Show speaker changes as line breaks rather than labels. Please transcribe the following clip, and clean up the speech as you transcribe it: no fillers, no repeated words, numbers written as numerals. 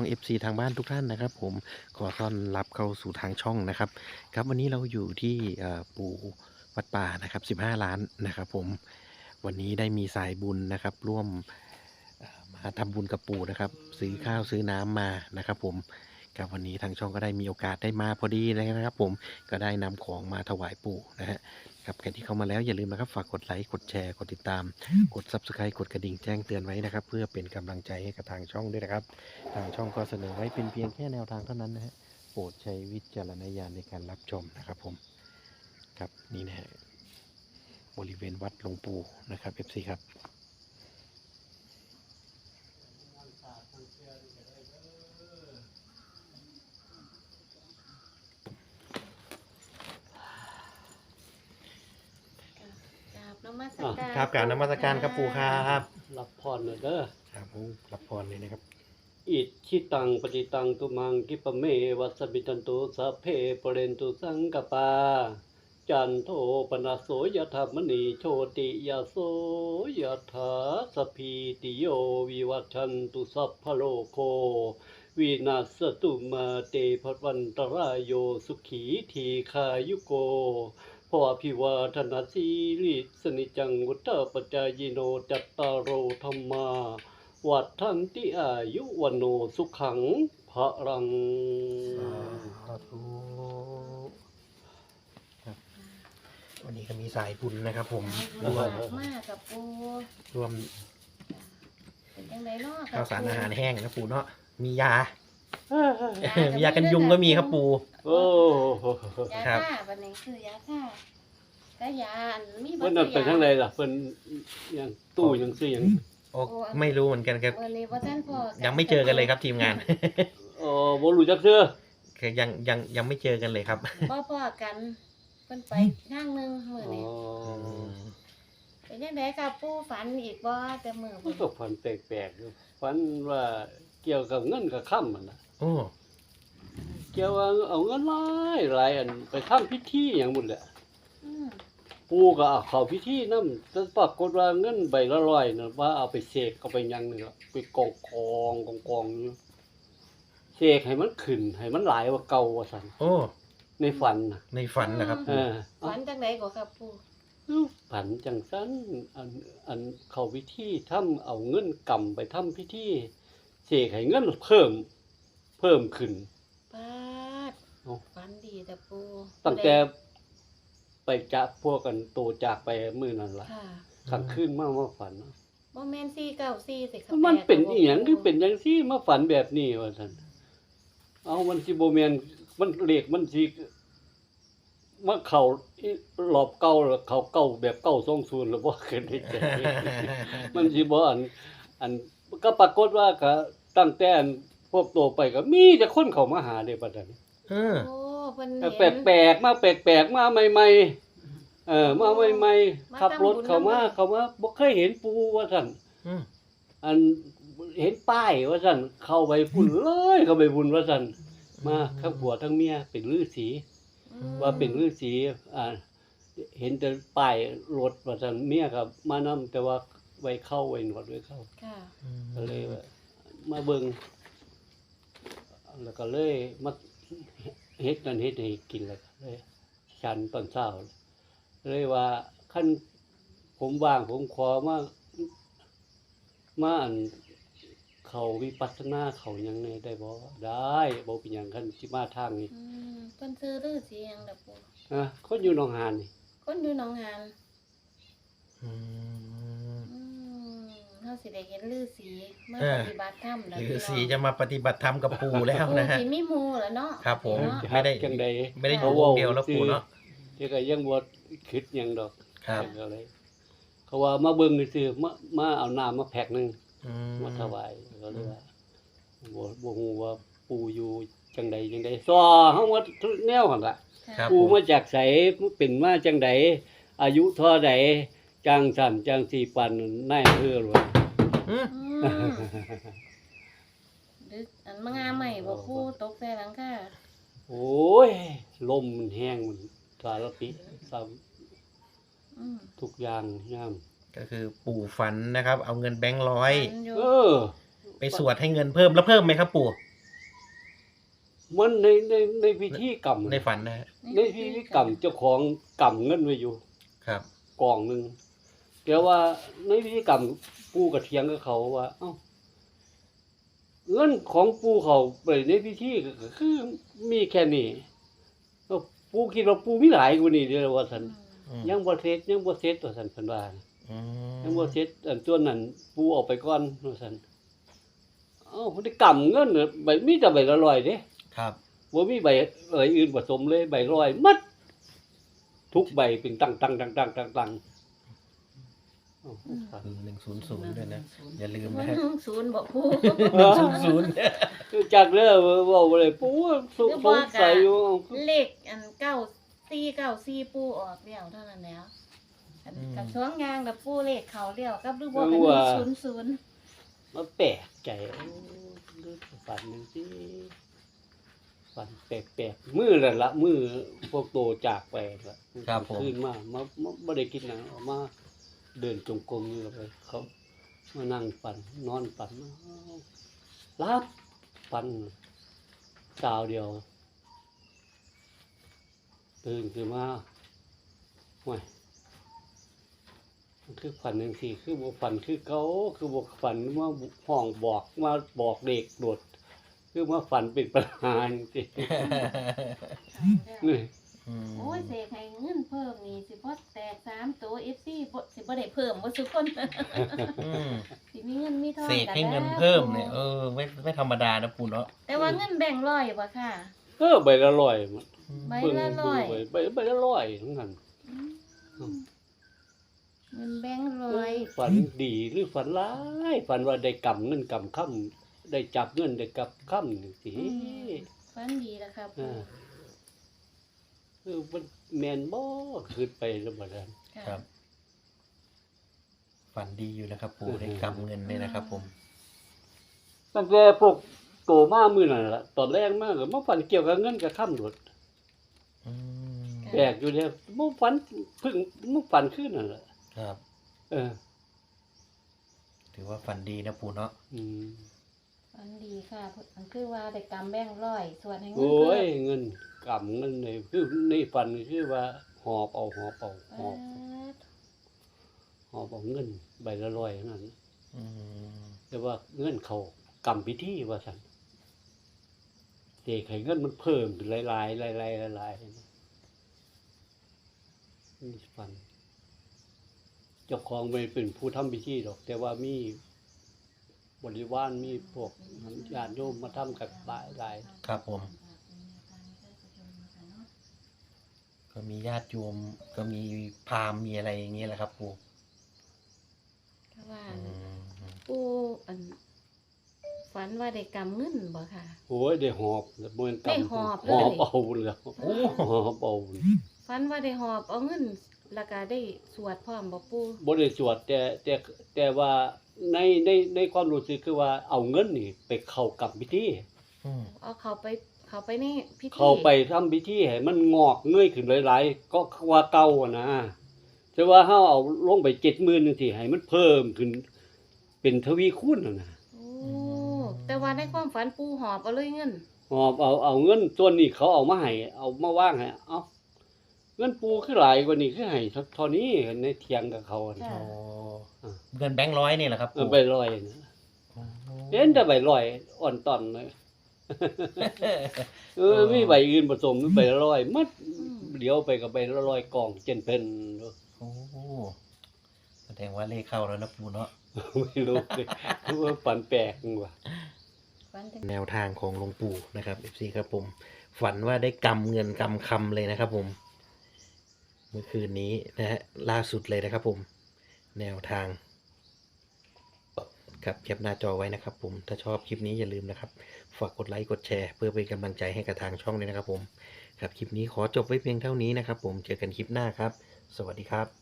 FC ทางบ้านทุกท่านนะครับผมขอต้อนรับเข้าสู่ทางช่องนะครับครับวันนี้เราอยู่ที่ปู่วัดป่านะครับ15 ล้านนะครับผมวันนี้ได้มีสายบุญนะครับร่วมมาทำบุญกับปู่นะครับซื้อข้าวซื้อน้ำมานะครับผมครับวันนี้ทางช่องก็ได้มีโอกาสได้มาพอดีเลยนะครับผมก็ได้นำของมาถวายปู่นะฮะครับใครที่เข้ามาแล้วอย่าลืมนะครับฝากกดไลค์กดแชร์กดติดตามกด Subscribe กดกระดิ่งแจ้งเตือนไว้นะครับเพื่อเป็นกำลังใจให้กับทางช่องด้วยนะครับทางช่องก็เสนอไว้เป็นเพียงแค่แนวทางเท่านั้นนะฮะโปรดใช้วิจารณญาณในการรับชมนะครับผมครับนี่นะฮะบริเวณวัดหลวงปู่นะครับ FC ครับ
กราบนมัสการ
ครับกราบนมัสการครับปู่ครับ
รับพรหน่อยเด้อ
ครับผมรับพรเลยนะครับ
อิชิตังปฏิตังตุมังกิปะเมวัสสมิจันตุสัพเพปเรนตุสังกปาจันโทปนะโสยถามณีโชติยาโสยถาสพพีติโยวิวัชชันตุสัพพะโลโควินาศตุมาเตภวันตรายโยสุขีทีคายุโกพอภิวาทนาสีลิสนิจังวุฒปัจจายโนจัตตารโอธรรมาวัฏทันติอายุวันโนสุขังพระรัง
สาธุครับวันนี้ก็มีสายบุญนะครับผม
ร
ร่ว
ว
ม
มากกับปู
ร่วม
เป็นยังไงเนาะ
ข้าวสารอาหารแห้งนะปู่เนาะมียา
ยา
มียากันยุงก็มีครับปู่
โอ้โห
ยา
ครับ
ฆ่าวันนี้คือยาฆ่าก็ยาอันมี
เพิ่นนั่นไปทางใดล่ะเพิ่นยังตู้ยังซื้อหยัง
โอ้ไม่รู้เหมือนกันครับ
วันนี้ว่าท่านพ่อ
ยังไม่เจอกันเลยครับทีมงาน
อ๋อบ่รู้จักเด้อ
คือยังไม่เจอกันเลยครับ
พ่อกันเพิ่นไปข้างหนึงมื้อ
อ๋อ
นี้เป็นยังไงกับปูฝันอีกบ่แต่มื้อ
มันก็ฝันแปลกๆอยู่ฝันว่าเกี่ยวกับเงินกับค่ำมันน่ะ
โอ้
เกี่ยวว่าเอาเงินหลายอันไปทำพิธีหยังหมดแหละ
อืม
ปู่ก็เอาเข้าพิธีนำแต่ปรากฏว่าเงินใบละ100น่ะว่าเอาไปเสกเอาไปหยังนี่ล่ะไปกองอยู่เสกให้มันขึ้นให้มันหลายกว่าเก่าว่าซั่น
โอ้
ในฝันน่ะ
ในฝันนะครับ
เออ
ฝันจังไดก็ครับปู
ผันจังสันอันเข้าพิธีทำเอาเงินกำไปทำพิธีเสกให้เงินเพิ่มขึ้น
ปาด
เอ้า
ฝันดีแต่ปู
ตั้งแต่ไปจากพวกกันโตจากไปมื้อนั้นล่ะ
ค่ะ
กลางคืนมาฝัน
บ่แม่น494สิครับ
มันเป็นอีหยังคือเป็นจังซี่มาฝันแบบนี้ว่าซั่นเอามันสิบ่แม่นมันเลขมันสิมาเข้ารอบเก่าแล้วเข้าเก่าแบบเก่า20แล้วบ่ขึ้นได้จัง มันสิบ่อันก็ปรากฏว่าก็ตั้งแต่อันพวกโตไปก็มีแต่คนเข้ามาหาเด้บัดนั้น
เออ
โอ้เพิ่น
แต่
เห็น
แปลกๆมามาใหม่ๆมาใหม่ๆขับรถเข้ามาบ่เคยเห็นปูว่าซั่น
อืม
อันเห็นป้ายว่าซั่นเข้าไปพุ่นเลยเข้าไปบุญว่าซั่นมาทั้งผัวทั้งเมียเป็นฤาษี
อืม
ว่าเป็นฤาษีเห็นแต่ป้ายรถว่าซั่นเมียก็มานำแต่ว่าไว้เข้าไว้หนวดไว้เข้า
ค่ะ
ก็เลยว่ามาเบิ่งแล้วก็เลยมาเฮ็ดนั่นเฮ็ดให้กินแล้วก็เลยฉันตอนเช้าเลยว่าคันผมว่างผมขอมาอันเขาวิปัสสนาเขาหยังแหน่ได้บ่ได้บ่เป็นหยังคันสิมาทางนี้
อืมเพิ่นซื้อฤาษีหยังล่ะปู่
คนอยู่หนองหานนี่
คนอยู่หนองหาน
อืม
อืมเฮาสิได้เห็นฤาษีมา
เออ
ปฏิบัติธรรมแล้ว
ฤาษีจะมาปฏิบัติธรรมกับปู่แล้วนะฮะ
สิมีหมู่แล้วเนาะ
ครับผม
เนาะ
ไม่ได้
จังใด
ไม่ได้อยู่วงเดียวแล้วปู่เนาะ
ที่ก็ยังบ่คิดหยังดอก
ครับ
ก็เลยเขาว่ามาเบิ่งซื่อๆมาเอาน้ำมาแพ็คหนึง
อืม
มาถวายก็เลยว่าบ่ฮู้ว่าปู่อยู่จังใดซอเฮาว่าทุกแนวหั่นล่ะ
ครับ
ปู่
ผม
มาจากไสเป็นมาจังใดอายุเท่าใดจังสั่นจังสิปันนายอำเภอหลวง
อืม
อืมดึกอันมางาใหม่บ่ปู่ตกใส่หลังคา
โอ้ยลมมันแห้งมันสารพิษซ้ำ
อืม
ทุกอย่างยาม
ก็คือปู่ฝันนะครับ เอาเงินแบงค์ร้อย
ฝันอยู่
เออ
ไปสวดให้เงินเพิ่มแล้วเพิ่มไหมครับปู่
มันในพิธีกรรม
ในฝันนะฮะ
ในพิธีกรรมเจ้าของกำเงินไว้อยู่
ครับ
กองหนึงแต่ว่าในพิธีกรรมปู่ก็เถียงกับเขาว่า เอ้าเงินของปู่เขาไปในพิธีก็คือมีแค่นี้ก็ปู่คิดว่าปู่มีหลายกว่านี้เด้อว่าซั่น
อืม
ยังบ่เสร็จว่าซั่นเพิ่นว่านะ
อืม
ยังบ่เสร็จอันตัวนั้นปู่เอาไปก่อนว่าซั่นเอ้าพฤติกรรมเงินน่ะใบมีแต่ใบละร้อยเด้
ครับ
บ่มีใบอื่นผสมเลยใบร้อยหมัดทุกใบเป็นตั้งๆๆๆๆอ้าวฝัน
100ด้วยนะ อย่าลืม
มั
นะ
น
ฮะ
ศูนย์บอกผู้
100
จากเด้อเว้าบ่ได้ปู่สงสัยอยู่
เลขอัน9494ปูออกแล้วเท่านั้นแล้วอันกับช่วงยางกับปูเลขเขาเลี้ยวกับดูบ่กัน00
มาแปลกใจฝันจังซี่ฝันแปลกๆมื้อนั่นล่ะมื้อพวกโตจากไปล่ะ
ครับผม
คืนมาบ่ได้กินหยังออกมาเดินจงกรมอยู่ไปเขามานั่งฝันนอนฝันรับฝันดาวเดียวตื่นขึ้นมาห่วยมันคือฝันจังซี่คือบ่ฝันคือเก่าคือบ่ฝันมาห้องบอกมาบอกเด็กโดดคือมาฝันเป็นปัญหาจังซี่ นี่
อืม
โอ้ยเสกให้เงินเพิ่มนี่สิบ่แตก3ตัว FC บ่สิบ่ได้เพิ่มบ่ทุกคน
อืม
สิมีเงินมีทอง
เสกให้เงินเพิ่มเนี่ยไม่ธรรมดานะปู่เนาะ
แต่ว่าเงินแบ่งร้อยบ่ค่ะ
ใบละร้อยมัน
ใบละร้อย
ใบละร้อยทั้งนั้น
เงินแบ่งร้อย
ฝันดีหรือฝันร้ายฝันว่าได้กำเงินกำค่ำได้จับเงินได้กับค่ำนี่สิ
ฝันดีแล้วครับ
มันแมนบ่ขึ้นไปแล้วบ่ได้
ครับ ฝันดีอยู่นะครับ ปู่ได้กำเงินเนี่ยนะครับ ผม
ตั้งแต่พวกโตมามื้อนั่นล่ะตอนแรกมาก็มาฝันเกี่ยวกับเงินกับค่ำโดด
อืม
แปลกอยู่เด้บ่ฝันเพิ่งบ่ฝันคืนนั่นล่ะ
ครับ
เออ
ถือว่าฝันดีนะปู่เนาะ
อืม
ฝันดีค่ะมันคือว่าได้กำแบ่งร้อยส่วนให้เงิน
โอ้
เพิ่
ย
ม
เงินกำเงินนี่คือในฝันคือว่าหอบเอาหอบเอาเงินใบละร้อยนั่น
อืม
แต่ว่าเงินเขากรรมพิธีว่าซั่นเสกให้เงินมันเพิ่มขึ้นหลายๆนี่ฝันเจ้าของไม่เป็นผู้ทำพิธีหรอก แต่ว่ามีบริวารมีพวกญาติโยมมาทำกันหลาย
ครับผม ก็มีญาติโยมก็มีพราหมณ์มีอะไรอย่างเงี้ยแหละครับ ปู่
ก็ว่า
อืม
ปูอันฝันว่าได้กำเงินบ่ค่ะ
โอ้ยได้หอบบ่แม่น
ได้
กำ
หอบเลย
หอบเอาแล้วหอบเอา
ฝันว่าได้หอบเอาเงินแล้วก็ได้สวดพร้อมบ่ปู
บ่ได้สวดแต่ว่าในความรู้สึกคือว่าเอาเงินนี่ไปเข้ากรรมพิธี
เอาเขาไปในพิธี
เข้าไปทำพิธีให้มันงอกเงยขึ้นหลายๆก็ว่าเก่าอะนะแต่ว่าเฮาเอาลงไป 70,000จังซี่ให้มันเพิ่มขึ้นเป็นทวีคูณน่ะนะ
โอ้แต่ว่าในความฝันปูหอบเอาเลยเงิน
หอบเอาเงินส่วนนี้เขาเอามาให้เอามาวางให้เอ้าเงินปูคือหลายกว่านี้คือให้เท่านี้ในเถียงกับเขาอะนะ
ค่ะ
โอ้เงินแบงค์ร้อยนี่แหละครับ
เออ
ปู่
ใบลอยนะ
โอ้
เห็นแต่ใบลอยอ่อนตอนเลยมีใบอื่นผสมใบละร้อยมัดเดี๋ยวไปกับใบละร้อยกล่องเจนเป็นเนอะ
โอ้แสดงว่าเลขเข้าแล้วนะปู่เนาะ
ไม่รู้เลยว่าฝันแปลกว่ะ
ฝันจัง
แนวทางของหลวงปู่นะครับ FC ครับผม ฝันว่าได้กำเงินกำคำเลยนะครับ ผม เมื่อคืนนี้นะฮะล่าสุดเลยนะครับ ผม แนวทางครับแคปหน้าจอไว้นะครับ ผม ถ้าชอบคลิปนี้อย่าลืมนะครับ ฝากกดไลค์กดแชร์เพื่อเป็นกำลังใจให้กับทางช่องด้วยนะครับ ผม ครับคลิปนี้ขอจบไว้เพียงเท่านี้นะครับ ผมเจอกันคลิปหน้าครับ สวัสดีครับ